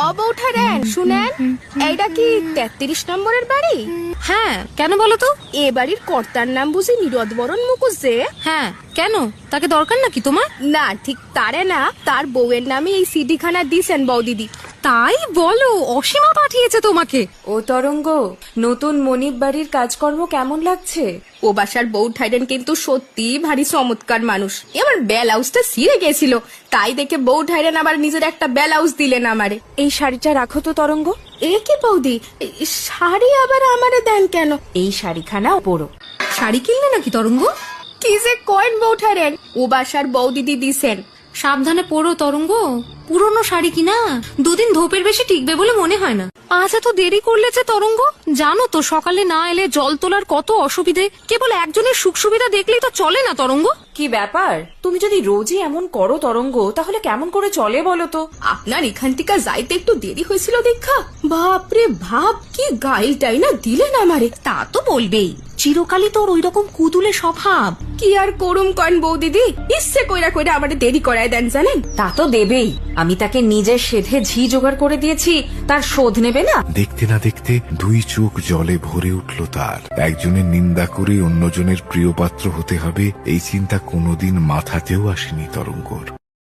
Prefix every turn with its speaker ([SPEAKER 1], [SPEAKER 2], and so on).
[SPEAKER 1] বৌঠারেন শুনেন, এইটা কি 33 নম্বরের বাড়ি?
[SPEAKER 2] হ্যাঁ, কেন বলো তো?
[SPEAKER 1] এ বাড়ির কর্তার নাম বুঝি নীরদবরণ মুখুজ্জে?
[SPEAKER 2] হ্যাঁ, কেন? তাকে দরকার নাকি তোমার?
[SPEAKER 1] না, ঠিক তারে না, তার বউয়ের নামে এই সিডিখানা দিছেন বৌদিদি।
[SPEAKER 2] তাই বলো? অসীমা পাঠিয়েছে তোমাকে?
[SPEAKER 3] ও তরঙ্গ, নতুন মনিব বাড়ির কাজকর্ম কেমন লাগছে?
[SPEAKER 1] ও বাসার বৌঠাইরেন কিন্তু সত্যি ভারী চমৎকার মানুষ। আমার ব্লাউজটা ছিঁড়ে গেছিল, তাই দেখে বৌঠাইরেন আবার নিজের একটা ব্লাউজ দিলেন আমারে।
[SPEAKER 3] এই শাড়িটা রাখো তো তরঙ্গ।
[SPEAKER 1] এ কি বৌদি, শাড়ি আবার আমারে দেন কেন?
[SPEAKER 3] এই শাড়িখানা পরো।
[SPEAKER 2] শাড়ি কিনলে নাকি তরঙ্গ?
[SPEAKER 1] কি যে কয়েন বৌঠাইরেন, ও বাসার বৌদিদি দিছেন।
[SPEAKER 2] সাবধানে পরো তরঙ্গ, পুরনো শাড়ি কিনা 2 দিন ধোপের বেশি টিকবে বলে মনে হয় না। আজ এত দেরি করলে যে তরঙ্গ, জানো তো সকালে না এলে জল তোলার কত অসুবিধে। কেবল একজনের সুখ সুবিধা দেখলেই তো চলে না তরঙ্গ।
[SPEAKER 3] কি ব্যাপার, তুমি যদি রোজই এমন করো তরঙ্গ, তাহলে কেমন করে চলে বলো তো?
[SPEAKER 1] আপনার এখান থেকে যাইতে একটু দেরি হয়েছিল দেখা, বাপরে ভাব কি গাইলটাই না দিলেন আমারে।
[SPEAKER 2] তা তো বলবেই, চিরকালই তোর ওই রকম কুতুলে স্বভাব।
[SPEAKER 1] কি আর করুম কন বৌদিদি, ইচ্ছে কইরা কইরা আমারে দেরি করায় দেন জানেন।
[SPEAKER 3] তা তো দেবেই, আমি তাকে নিজের সেধে ঝি জোগাড় করে দিয়েছি, তার শোধ নেবে না?
[SPEAKER 4] দেখতে না দেখতে 2 চোখ জলে ভরে উঠল তার। একজনের নিন্দা করে অন্যজনের প্রিয় পাত্র হতে হবে, এই চিন্তা কোনোদিন মাথাতেও আসেনি তরঙ্গর।